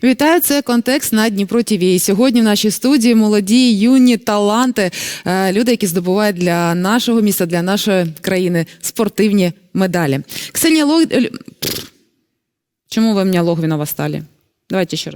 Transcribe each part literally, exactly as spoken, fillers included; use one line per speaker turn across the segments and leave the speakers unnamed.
Вітаю, це «Контекст» на Дніпро ТВ. І сьогодні в нашій студії молоді, юні таланти, люди, які здобувають для нашого міста, для нашої країни спортивні медалі. Ксенія Лог... Чому ви мене Логвинова стали? Давайте ще раз.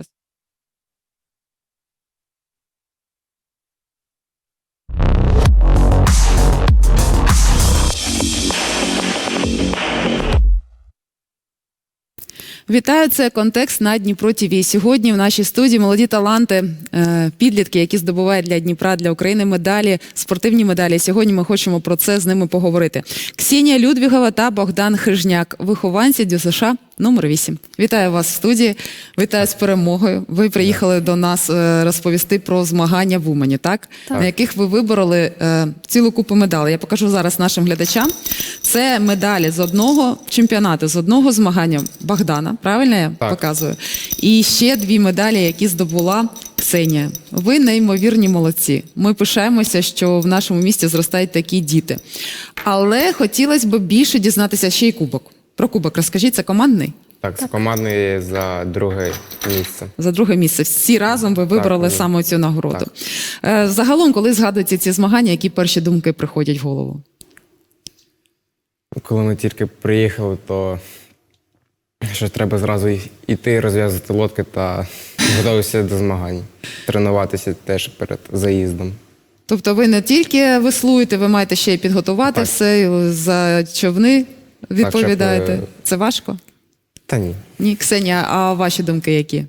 Вітаю, це «Контекст» на Дніпро ТВ. Сьогодні в нашій студії молоді таланти, підлітки, які здобувають для Дніпра, для України медалі, спортивні медалі. Сьогодні ми хочемо про це з ними поговорити. Ксенія Людвігова та Богдан Хижняк, вихованці ДЮСШ номер вісім. Вітаю вас в студії, вітаю з перемогою. Ви приїхали до нас розповісти про змагання в Умані, так? Так. На яких ви вибороли цілу купу медалей. Я покажу зараз нашим глядачам. Це медалі з одного чемпіонату, з одного змагання Богдана, правильно я так показую? І ще дві медалі, які здобула Ксенія. Ви неймовірні молодці. Ми пишаємося, що в нашому місті зростають такі діти. Але хотілося б більше дізнатися ще й кубок. Про кубок розкажіть, це командний?
Так, це командний за друге місце. За
друге місце. Всі разом ви вибрали так, саме цю нагороду. Так. Загалом, коли згадуєте ці змагання, які перші думки приходять в голову?
Коли ми тільки приїхали, то що треба зразу йти, розв'язати лодки та готуватися до змагань. Тренуватися теж перед заїздом.
Тобто ви не тільки веслуєте, ви маєте ще й підготувати так все, за човни відповідаєте. Так, щоб... Це важко?
Та ні.
Ні, Ксенія, а ваші думки які?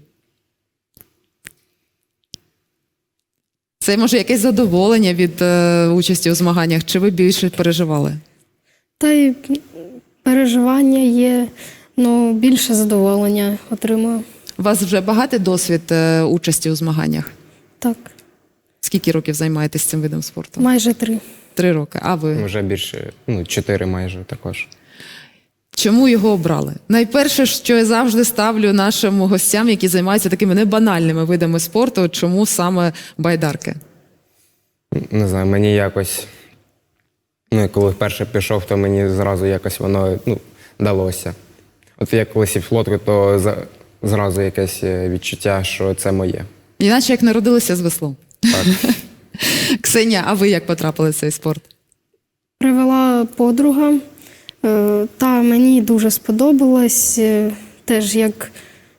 Це, може, якесь задоволення від е, участі у змаганнях, чи ви більше переживали?
Та й переживання є, ну, більше задоволення отримую.
У вас вже багатий досвід е, участі у змаганнях?
Так.
Скільки років займаєтесь цим видом спорту?
Майже три.
Три роки. А ви?
Вже більше, ну, чотири майже також.
Чому його обрали? Найперше, що я завжди ставлю нашим гостям, які займаються такими небанальними видами спорту, чому саме байдарки?
Не знаю, мені якось, ну, коли вперше пішов, то мені зразу якось воно, ну, далося. От я коли сів в лодку, то за, зразу якесь відчуття, що це моє.
Іначе як народилися з веслом.
Так.
Ксенія, а ви як потрапили в цей спорт?
Привела подруга, та мені дуже сподобалось, теж як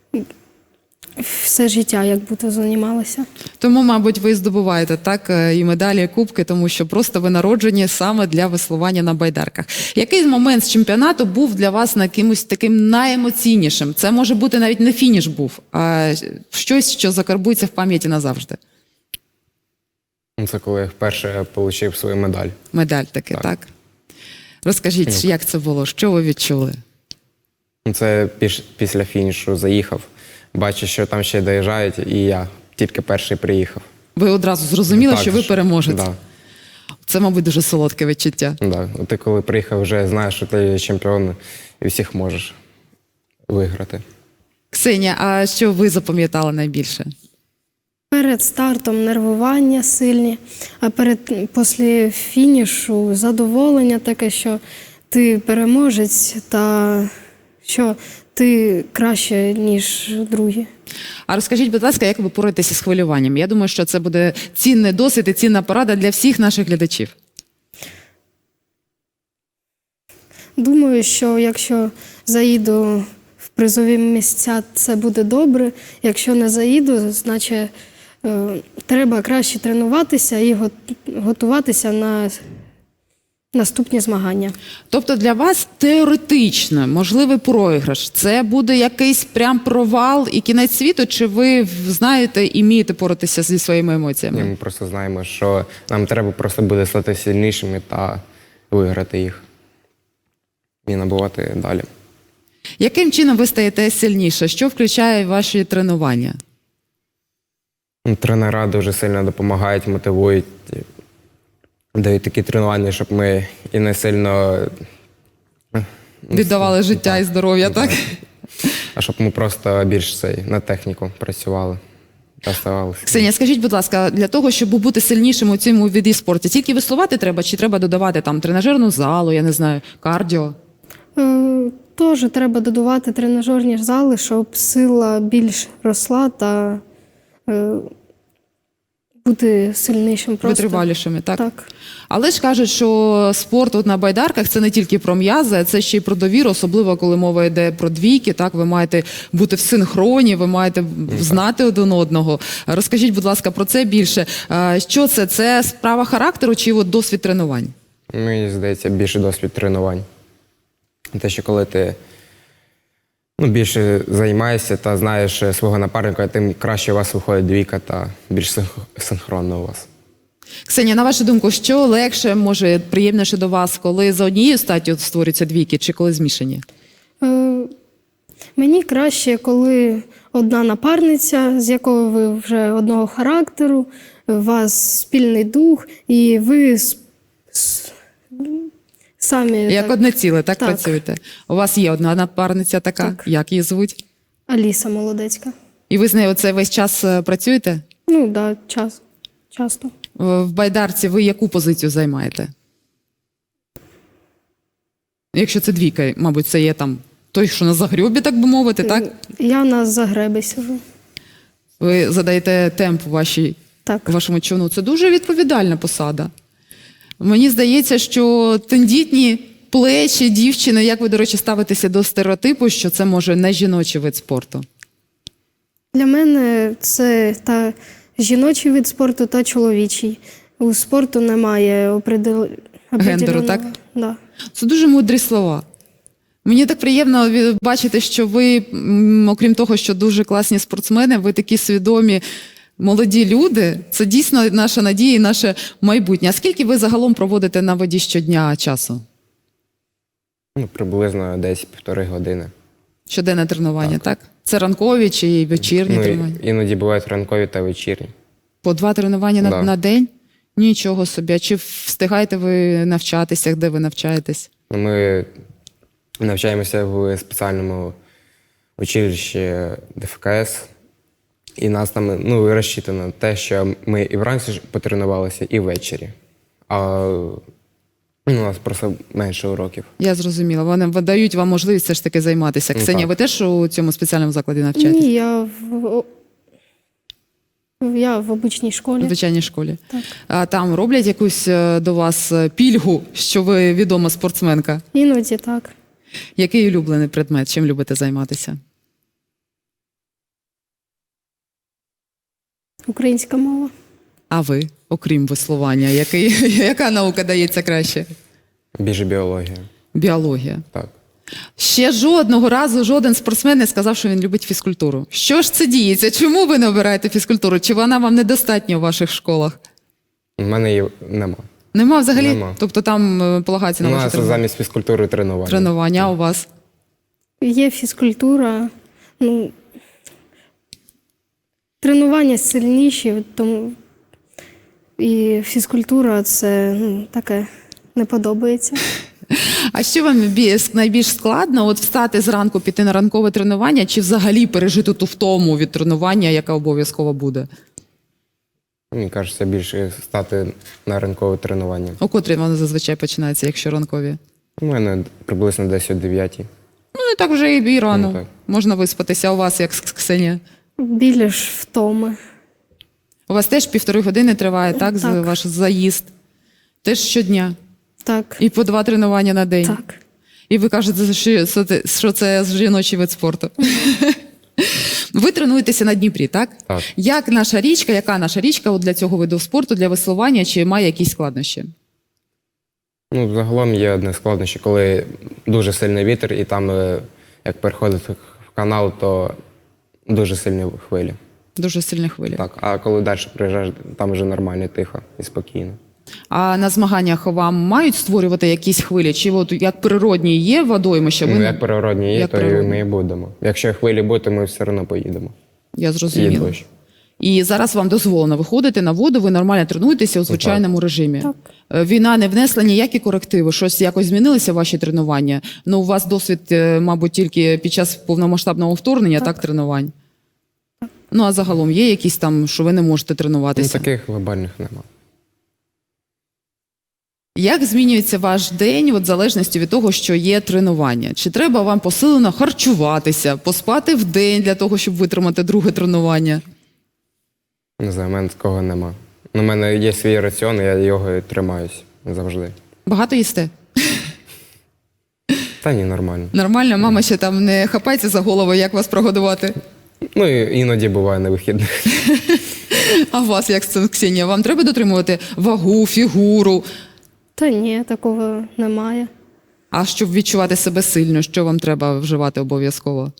все життя, як будто займалася. Тому,
мабуть, ви здобуваєте так і медалі, і кубки, тому що просто ви народжені саме для веслування на байдарках. Який момент з чемпіонату був для вас якимось таким найемоційнішим? Це може бути навіть не фініш був, а щось, що закарбується в пам'яті назавжди.
Це коли я вперше отримав свою медаль.
Медаль таки, так? так? Розкажіть, як це було? Що ви відчули?
Це після фінішу заїхав. Бачу, що там ще доїжджають, і я тільки перший приїхав.
Ви одразу зрозуміли,
так,
що ви переможець?
Так.
Це, мабуть, дуже солодке відчуття.
Так. Ти коли приїхав, вже знаєш, що ти чемпіон і всіх можеш виграти.
Ксенія, а що ви запам'ятали найбільше?
Перед стартом нервування сильні, а перед, після фінішу задоволення таке, що ти переможець та що ти краще, ніж другі.
А розкажіть, будь ласка, як ви боретеся з хвилюванням? Я думаю, що це буде цінний досвід і цінна порада для всіх наших глядачів.
Думаю, що якщо заїду в призові місця, це буде добре. Якщо не заїду, значить е, треба краще тренуватися і готуватися на наступні змагання.
Тобто для вас теоретично можливий програш – це буде якийсь прям провал і кінець світу, чи ви знаєте і вмієте боротися зі своїми емоціями?
Ні, ми просто знаємо, що нам треба просто буде стати сильнішими та виграти їх і набувати далі.
Яким чином ви стаєте сильніше? Що включає ваші тренування?
Тренера дуже сильно допомагають, мотивують, дають такі тренування, щоб ми і не сильно
віддавали життя так, і здоров'я, так?
А щоб ми просто більш цей, на техніку працювали та ставалися.
Ксенія, скажіть, будь ласка, для того, щоб бути сильнішим у цьому виді спорту, тільки веслувати треба, чи треба додавати там тренажерну залу, я не знаю, кардіо?
Е, Теж треба додавати тренажерні зали, щоб сила більш росла та е, бути сильнішим просто.
Витривалішими, так?
Так.
Але ж кажуть, що спорт от на байдарках це не тільки про м'язи, а це ще й про довіру, особливо коли мова йде про двійки. Так, ви маєте бути в синхроні, ви маєте знати один одного. Розкажіть, будь ласка, про це більше. А, Що це? Це справа характеру чи от досвід тренувань?
Мені здається, більше досвід тренувань. Те, що коли ти ну, більше займаєшся та знаєш свого напарника, тим краще у вас виходить двійка та більш синх- синхронно у вас.
Ксенія, на вашу думку, що легше, може, приємніше до вас, коли за однією статтю створюються двійки чи коли змішані?
Е, Мені краще, коли одна напарниця, з якою ви вже одного характеру, у вас спільний дух, і ви с- с- самі
Як
так,
одне ціле, так,
Так.
працюєте? У вас є одна напарниця така,
Так.
як її звуть?
Аліса Молодецька.
І ви з нею оце весь час е, працюєте?
Ну, так, да, час, часто.
Е, В байдарці ви яку позицію займаєте? Якщо це двійка, мабуть, це є там той, що на загрьобі, так би мовити, так?
Я на загребі сижу.
Ви задаєте темп вашій,
Так.
вашому човну. Це дуже відповідальна посада. Мені здається, що тендітні плечі дівчини, як ви, до речі, ставитеся до стереотипу, що це може не жіночий вид спорту?
Для мене це та жіночий вид спорту та чоловічий. У спорту немає опридел...
Гендеру, так?
Да.
Це дуже мудрі слова. Мені так приємно ві- бачити, що ви, м, окрім того, що дуже класні спортсмени, ви такі свідомі молоді люди. Це дійсно наша надія і наше майбутнє. А скільки ви загалом проводите на воді щодня часу?
Ну, приблизно десь півтори години.
Щоденне тренування, так? Це ранкові чи вечірні
Ну, і-
тренування?
іноді бувають ранкові та вечірні.
По два тренування на,
Да.
на день? Нічого собі. А чи встигаєте ви навчатися, де ви навчаєтесь?
Ми навчаємося в спеціальному училищі ДФКС, і нас там ну, розчитано на те, що ми і вранці ж потренувалися, і ввечері. А ну, у нас просто менше уроків.
Я зрозуміла. Вони дають вам можливість все ж таки займатися.
Ну,
Ксенія,
так.
ви теж у цьому спеціальному закладі навчаєтесь?
Ні, я в, о- я в обичній
У
школі.
звичайній школі.
Так.
А там роблять якусь е, до вас е, пільгу, що ви відома спортсменка?
Іноді так.
Який улюблений предмет? Чим любите займатися?
Українська мова.
А ви, окрім веслування, який, яка наука дається краще?
Більше біологія.
Біологія.
Так.
Ще жодного разу жоден спортсмен не сказав, що він любить фізкультуру. Що ж це діється? Чому ви не обираєте фізкультуру? Чи вона вам недостатня у ваших школах?
У мене її нема.
Нема взагалі?
Нема.
Тобто там е, полагається
У
на ваші
нас
тренування?
замість фізкультури тренування.
Тренування, а у вас?
Є фізкультура. Ну, тренування сильніші, тому і фізкультура це ну, таке не подобається.
А що вам бі- найбільш складно? От встати зранку, піти на ранкове тренування, чи взагалі пережити ту втому від тренування, яка обов'язково буде?
Мені кажеться, більше стати на ранкове тренування.
О котрій воно зазвичай починається, якщо ранкові?
У мене приблизно десь о дев'ятій.
Ну, не так вже і рано.
Ну, так.
Можна виспатися. А у вас, як Ксенія?
Біля ж втоми.
У вас теж півтори години триває, так, з-
Так.
ваш заїзд? Теж щодня?
Так.
І по два тренування на день?
Так.
І ви кажете, що це, що це жіночий вид спорту. Ви тренуєтеся на Дніпрі, так?
Так.
Як наша річка, яка наша річка от для цього виду спорту, для веслування, чи має якісь складнощі?
Ну, загалом є одне складнощі, коли дуже сильний вітер, і там, е, як переходити в канал, то дуже сильні хвилі.
Дуже сильні хвилі.
Так. А коли далі приїжджаєш, там вже нормально, тихо і спокійно.
А на змаганнях вам мають створювати якісь хвилі? Чи от як природні є водоймища? Ви...
Ну, як природні є,
Як
то і
природні.
ми і будемо. Якщо хвилі буде, то ми все одно поїдемо.
Я
І
зрозуміла.
дощ.
І зараз вам дозволено виходити на воду, ви нормально тренуєтеся у звичайному режимі.
Так.
Е, Війна не внесла ніякі корективи, щось якось змінилися ваші тренування. Ну, у вас досвід, е, мабуть, тільки під час повномасштабного вторгнення, так, тренувань. Ну, а загалом є якісь там, що ви не можете
Ну,
тренуватися?
таких глобальних нема.
Як змінюється ваш день от, в залежності від того, що є тренування? Чи треба вам посилено харчуватися, поспати в день для того, щоб витримати друге тренування?
Не знаю, в мене такого нема. У мене є свій раціон, і я його і тримаюсь завжди.
Багато їсте?
Та ні, нормально.
Нормально, мама ще там не хапається за голову, як вас прогодувати?
Ну, і іноді буває на вихідних.
А вас як з цим, Ксенія? Вам треба дотримувати вагу, фігуру?
Та ні, такого немає.
А щоб відчувати себе сильно, що вам треба вживати обов'язково?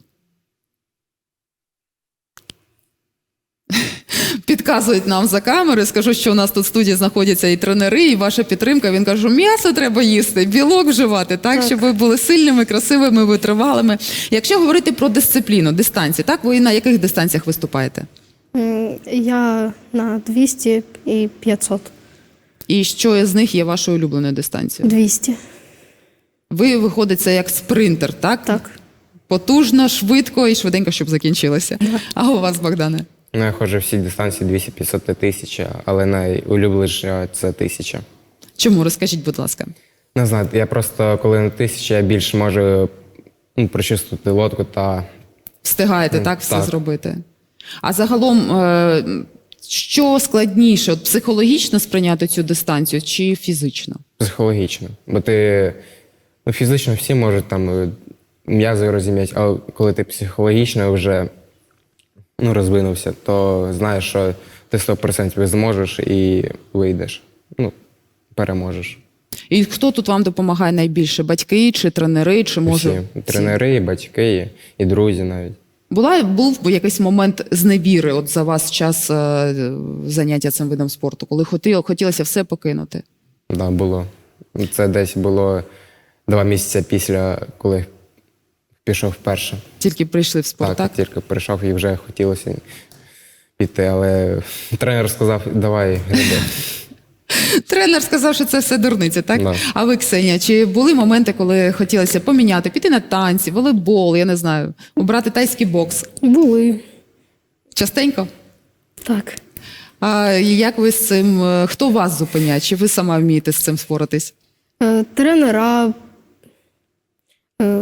Підказують нам за камери. Скажу, що у нас тут в студії знаходяться і тренери, і ваша підтримка. Він каже, м'ясо треба їсти, білок вживати, так,
Так.
щоб ви були сильними, красивими, витривалими. Якщо говорити про дисципліну, дистанції, так, ви на яких дистанціях виступаєте?
М, Я на двісті і п'ятсот.
І що з них є вашою улюбленою дистанцією?
двісті.
Ви виходите як спринтер, так?
Так.
Потужно, швидко і швиденько, щоб закінчилося. А у вас, Богдане?
Ну, я ходжу всі дистанції двісті п'ятсот та тисяча, але найулюбленіша це тисяча.
Чому? Розкажіть, будь ласка.
Не знаю, я просто коли на тисячі, я більше можу ну, прочувствувати лодку та
Встигаєте
Ну,
так все
так.
зробити? А загалом, е, що складніше, от психологічно сприйняти цю дистанцію чи фізично?
психологічно. Бо ти ну, фізично всі можуть там е, м'язи розім'яти, а коли ти психологічно вже ну, розвинувся, то знаєш, що ти сто відсотків зможеш і вийдеш. Ну, переможеш.
І хто тут вам допомагає найбільше? Батьки чи тренери, чи може
Всі. Тренери, і батьки, і, і друзі навіть.
Була був би якийсь момент зневіри от за вас час е, заняття цим видом спорту, коли хотіло, хотілося все покинути?
Да, було. Це десь було два місяці після, коли пішов вперше.
Тільки прийшли в спорт, так?
Так, тільки прийшов і вже хотілося піти, але тренер сказав, давай, гриби.
Тренер сказав, що це все дурниця, так?
Да.
А ви, Ксенія, чи були моменти, коли хотілося поміняти, піти на танці, волейбол, я не знаю, обрати тайський бокс?
Були.
Частенько?
Так.
А як ви з цим, е, хто вас зупиняє? Чи ви сама вмієте з цим споратись?
Е, Тренера. е,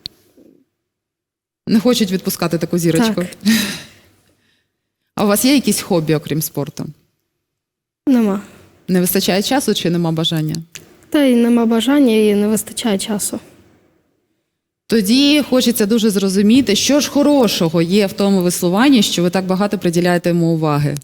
Не хочуть відпускати таку зірочку?
Так.
А у вас є якісь хобі, окрім спорту?
Нема.
Не вистачає часу чи нема бажання?
Та й нема бажання, і не вистачає часу.
Тоді хочеться дуже зрозуміти, що ж хорошого є в тому веслуванні, що ви так багато приділяєте йому уваги.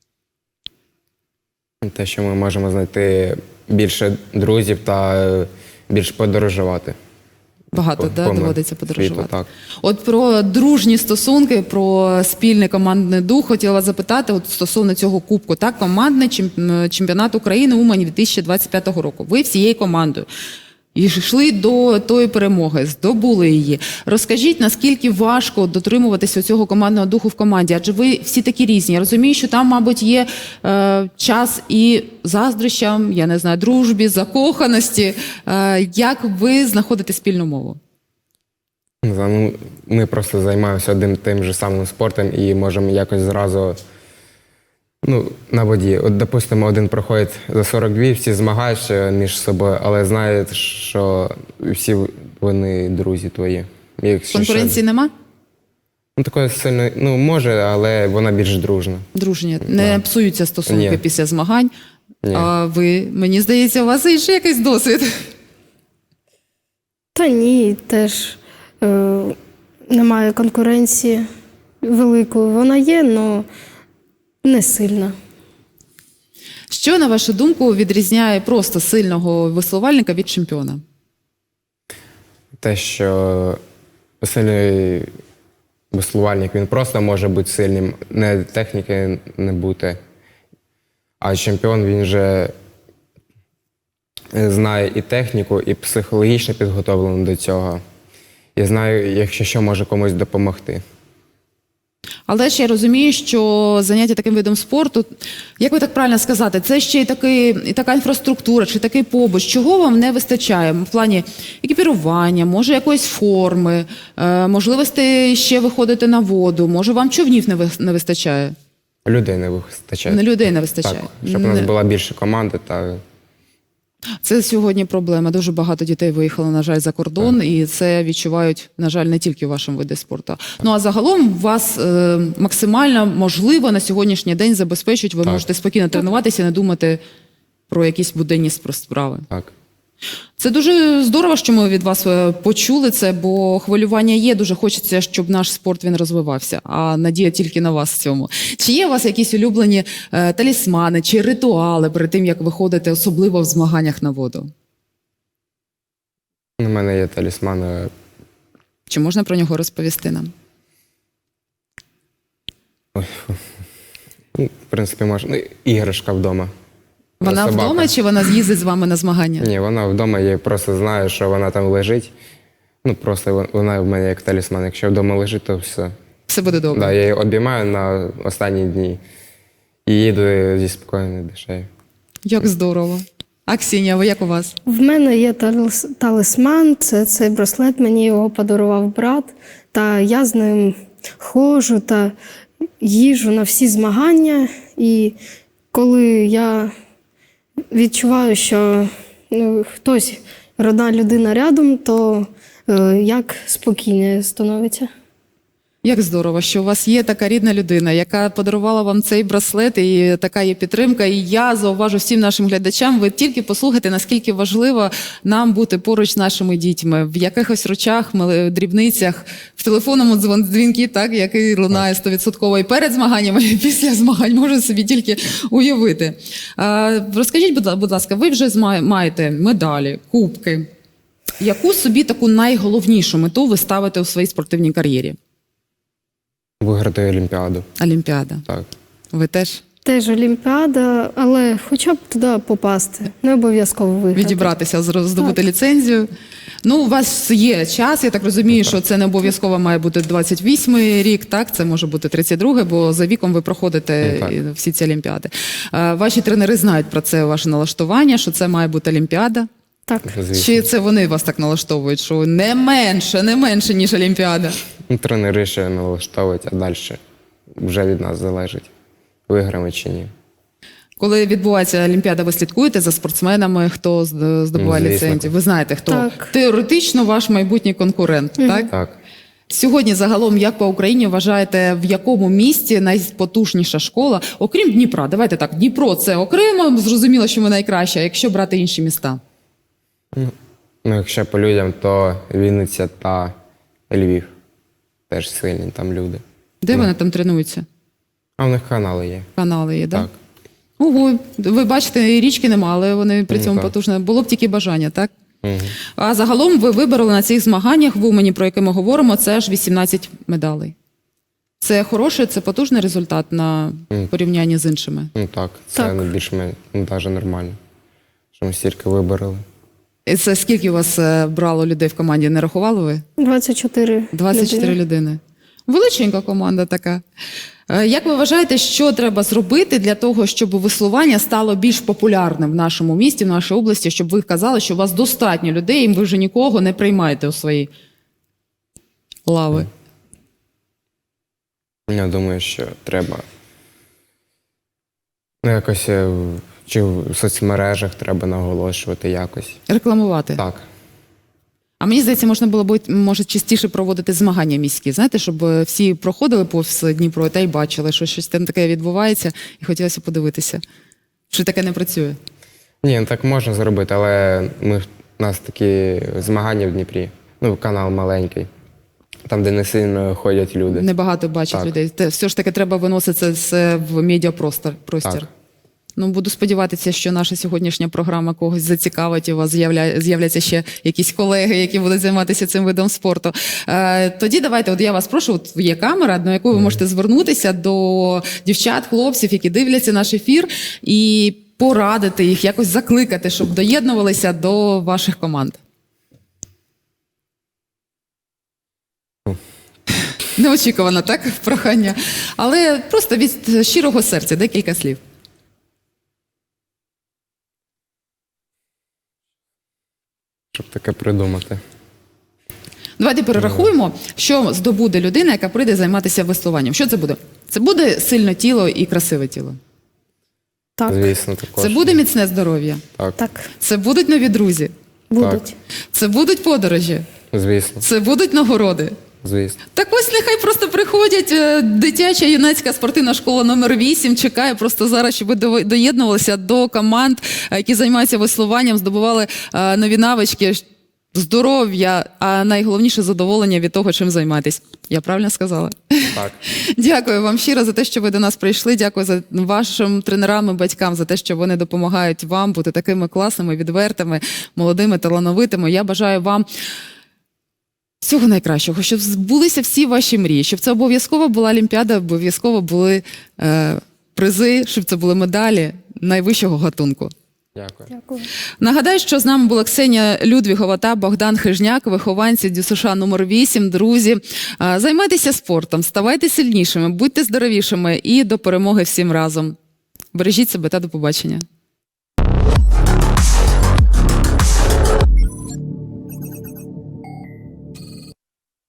Те, що ми можемо знайти більше друзів та е, більше подорожувати.
Багато,
По-
да,
по
доводиться
світу,
подорожувати.
так.
От про дружні стосунки, про спільний командний дух хотіла вас запитати от стосовно цього кубку. Так, командний чемп- чемпіонат України Умані дві тисячі двадцять п'ятого року. Ви всією командою і йшли до тої перемоги, здобули її. Розкажіть, наскільки важко дотримуватися цього командного духу в команді? Адже ви всі такі різні. Я розумію, що там, мабуть, є е, час і заздрощам, я не знаю, дружбі, закоханості. Е, як ви знаходите спільну мову?
Не знаю, ну, ми просто займаємося одним тим же самим спортом і можемо якось зразу ну, на воді. От, допустимо, один проходить за сорок два, всі змагаються між собою, але знають, що всі вони друзі твої. Якщо
Конкуренції
що-
нема?
Ну, такої сильної, ну, може, але вона більш дружна.
Дружні, не псуються стосунки
Ні.
після змагань.
Ні.
А ви, мені здається, у вас є ще якийсь досвід.
Та ні, теж е, немає конкуренції великої. Вона є, але не сильна.
Що, на вашу думку, відрізняє просто сильного веслувальника від чемпіона?
Те, що сильний веслувальник, він просто може бути сильним, не техніки не бути. А чемпіон, він вже знає і техніку, і психологічно підготовлений до цього. І знає, якщо що, може комусь допомогти.
Але ж я розумію, що заняття таким видом спорту, як ви так правильно сказати, це ще й, такий, і така інфраструктура, чи такий побут. Чого вам не вистачає в плані екіпірування, може якоїсь форми, е, можливості ще виходити на воду, може вам човнів не, ви- не вистачає?
Людей не вистачає.
Не людей не вистачає.
Так, щоб у нас
Не-
була більше команди та
Це сьогодні проблема. Дуже багато дітей виїхало, на жаль, за кордон, і це відчувають, на жаль, не тільки у вашому виді спорту. Ну а загалом вас е, максимально можливо на сьогоднішній день забезпечують. Ви
Так.
можете спокійно тренуватися, не думати про якісь буденні справи.
Так.
Це дуже здорово, що ми від вас е, почули це, бо хвилювання є. Дуже хочеться, щоб наш спорт він розвивався. А надія тільки на вас в цьому. Чи є у вас якісь улюблені е, талісмани чи ритуали перед тим, як виходите, особливо в змаганнях на воду?
У мене є талісман. е,
Чи можна про нього розповісти нам?
Ну, в принципі, можна. Ну, іграшка вдома.
Вона
Собака.
вдома чи вона з'їздить з вами на змагання?
Ні, вона вдома, я просто знаю, що вона там лежить. Ну, просто вон- вона в мене як талісман. Якщо вдома лежить, то все.
Все буде добре.
Да, я її обіймаю на останні дні і їду зі спокійною душею.
Як здорово. А Ксенія, ви як у вас?
В мене є талис- талісман, це цей браслет, мені його подарував брат, та я з ним ходжу та їжджу на всі змагання. І коли я відчуваю, що ну, хтось, родна людина рядом, то е, як спокійніше становиться.
Як здорово, що у вас є така рідна людина, яка подарувала вам цей браслет, і така є підтримка. І я зауважу всім нашим глядачам, ви тільки послухайте, наскільки важливо нам бути поруч з нашими дітьми. В якихось речах, мали- дрібницях, в телефонному дзвон- дзвінки, так, який лунає стовідсотково і перед змаганнями, і після змагань, можу собі тільки уявити. А, розкажіть, будь ла- будь ласка, ви вже зма- маєте медалі, кубки. Яку собі таку найголовнішу мету ви ставите у своїй спортивній кар'єрі?
Виграти Олімпіаду.
Олімпіада.
Так.
Ви теж
Теж Олімпіада, але хоча б туди попасти, не обов'язково виграти.
відібратися, зро- здобути ліцензію. Ну, у вас є час, я так розумію, що це не обов'язково має бути двадцять восьмий рік, так? Це може бути тридцять другий, бо за віком ви проходите
Ну, так.
і всі ці олімпіади. А, ваші тренери знають про це, ваше налаштування, що це має бути олімпіада.
Так.
Звісно.
Чи це вони вас так налаштовують, що не менше, не менше, ніж олімпіада?
Ну, тренери ще налаштовують, а далі вже від нас залежить, виграємо чи ні.
Коли відбувається олімпіада, ви слідкуєте за спортсменами, хто з- здобуває
Ну, звісно.
ліцензію? Ви знаєте, хто
Так.
теоретично ваш майбутній конкурент, так?
Так.
Сьогодні загалом, як по Україні вважаєте, в якому місті найпотужніша школа, окрім Дніпра? Давайте так, Дніпро це окремо, зрозуміло, що ми найкраще, а якщо брати інші міста?
Ну, якщо по людям, то Вінниця та Львів. Теж сильні там люди.
Де вони там тренуються?
А в них канали є.
Канали є, так?
Так.
Ого, ви бачите, і річки нема, але вони при
Ну,
цьому
так.
потужні. Було б тільки бажання, так?
Угу.
А загалом ви вибороли на цих змаганнях в Умані, про яке ми говоримо, це аж вісімнадцять медалей. Це хороший, це потужний результат на
Мгм.
порівнянні з іншими.
Ну так, це
Так.
ну, більш-менш ну, навіть нормально. Що ми стільки вибороли.
І це скільки у вас е, брало людей в команді? Не рахували ви?
двадцять чотири
двадцять чотири
людини.
людини. Величенька команда така. Е, Як ви вважаєте, що треба зробити для того, щоб веслування стало більш популярним в нашому місті, в нашій області, щоб ви казали, що у вас достатньо людей, і ви вже нікого не приймаєте у свої лави?
Я думаю, що треба ну, якось е, в- чи в соцмережах треба наголошувати якось.
Рекламувати?
Так.
А мені здається, можна було б, може, частіше проводити змагання міські, знаєте, щоб е, всі проходили повз Дніпро та й бачили, що щось там таке відбувається, і хотілося подивитися. Чи таке не працює?
Ні, ну, так можна зробити, але ми, у нас такі змагання в Дніпрі. Ну, канал маленький. Там, де не сильно ходять люди.
Небагато бачить
Так.
людей. Те, все ж таки треба виносити це в медіапростір. Простір.
Так.
Ну, буду сподіватися, що наша сьогоднішня програма когось зацікавить, і у вас з'явля... з'являться ще якісь колеги, які будуть займатися цим видом спорту. Е, тоді давайте, от я вас прошу, от є камера, на яку ви можете звернутися до дівчат, хлопців, які дивляться наш ефір, і порадити їх, якось закликати, щоб доєднувалися до ваших команд. Неочікувано, так, прохання. Але просто від щирого серця декілька слів.
Щоб таке придумати.
Давайте перерахуємо, що здобуде людина, яка прийде займатися веслуванням. Що це буде? Це буде сильне тіло і красиве тіло.
Так,
Звісно, також.
Це буде міцне здоров'я,
Так,
так,
це будуть нові друзі,
будуть.
це будуть подорожі,
звісно,
це будуть нагороди.
звісно.
Так ось нехай просто приходять. е, Дитяча юнацька спортивна школа номер вісім чекає просто зараз, щоб ви до- доєднувалися до команд, е, які займаються веслуванням, здобували е, нові навички, ш- здоров'я, а найголовніше задоволення від того, чим займатись. Я правильно сказала?
Так.
Дякую вам щиро за те, що ви до нас прийшли. Дякую за вашим тренерам і батькам за те, що вони допомагають вам бути такими класними, відвертими, молодими, талановитими. Я бажаю вам всього найкращого, щоб збулися всі ваші мрії, щоб це обов'язково була Олімпіада, обов'язково були е, призи, щоб це були медалі найвищого гатунку.
Дякую.
Дякую.
Нагадаю, що з нами була Ксенія Людвігова та Богдан Хижняк, вихованці ДЮСШ номер вісім. Друзі, е, займайтеся спортом, ставайте сильнішими, будьте здоровішими і до перемоги всім разом. Бережіть себе та до побачення.